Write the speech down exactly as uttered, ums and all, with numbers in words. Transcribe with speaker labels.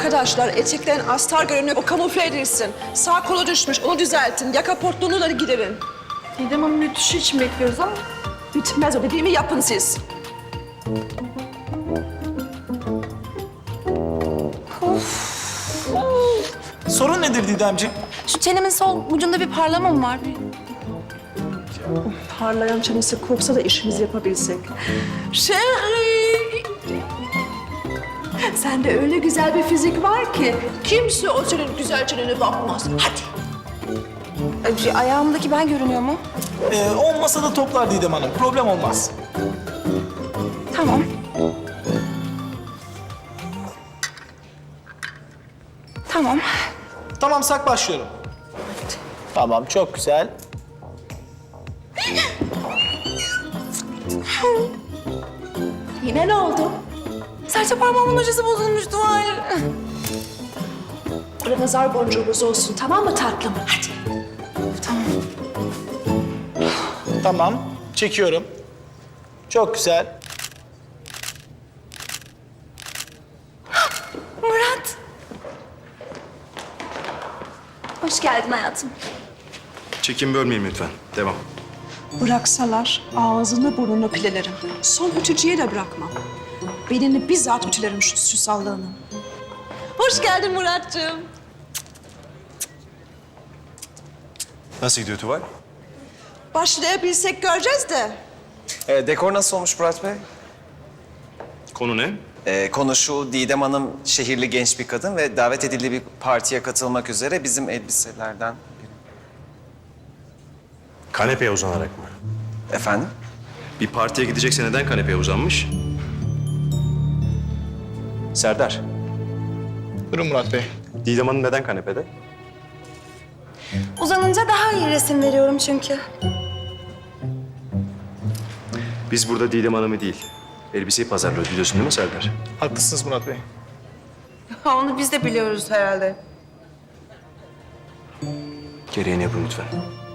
Speaker 1: Arkadaşlar eteklerin astar görünüyor, o kamufle edilsin. Sağ kolu düşmüş, onu düzeltin. Yaka portluğunu da giderin.
Speaker 2: Didem Hanım ütüsü için bekliyoruz ama.
Speaker 1: Bitmez o, dediğimi yapın siz.
Speaker 3: Sorun nedir Didemciğim?
Speaker 2: Şu çenemin sol ucunda bir parlama mı var?
Speaker 1: Parlayan çenesi korksa da işimizi yapabilsek. Şehri! Sende öyle güzel bir fizik var ki kimse o senin güzel çenene bakmaz. Hadi.
Speaker 2: Ay, ayağımdaki ben görünüyor mu?
Speaker 3: Ee, o masada toplar Didem Hanım. Problem olmaz.
Speaker 2: Tamam. Tamam.
Speaker 3: Tamam, sak başlıyorum. Tamam, çok güzel.
Speaker 1: Yine ne oldu?
Speaker 2: Serçe parmağımın ucası bozulmuştu. Hayır.
Speaker 1: Burada nazar boncuğumuz olsun, tamam mı tatlım? Hadi.
Speaker 2: Tamam.
Speaker 3: Tamam, çekiyorum. Çok güzel.
Speaker 2: Murat. Hoş geldin hayatım.
Speaker 4: Çekim bölmeyin lütfen. Devam.
Speaker 1: Bıraksalar ağzını burnunu pilelerim. Son ütücüye de bırakmam. Belini bizzat ütülerim şu süsallığını. Hoş geldin Muratcığım.
Speaker 4: Nasıl gidiyor Tuval?
Speaker 1: Başlayabilsek göreceğiz de.
Speaker 5: Ee, dekor nasıl olmuş Murat Bey?
Speaker 4: Konu ne?
Speaker 5: Ee, konu şu, Didem Hanım şehirli genç bir kadın ve davet edildiği bir partiye katılmak üzere bizim elbiselerden biri.
Speaker 4: Kanepeye uzanarak mı?
Speaker 5: Efendim?
Speaker 4: Bir partiye gidecekse neden kanepeye uzanmış? Serdar,
Speaker 3: Buyurun Murat Bey.
Speaker 4: Didem Hanım neden kanepede?
Speaker 2: Uzanınca daha iyi resim veriyorum çünkü.
Speaker 4: Biz burada Didem Hanım'ı değil, elbiseyi pazarlıyoruz biliyorsun değil mi Serdar?
Speaker 3: Haklısınız Murat Bey.
Speaker 2: Onu biz de biliyoruz herhalde.
Speaker 4: Gereğini yapın lütfen.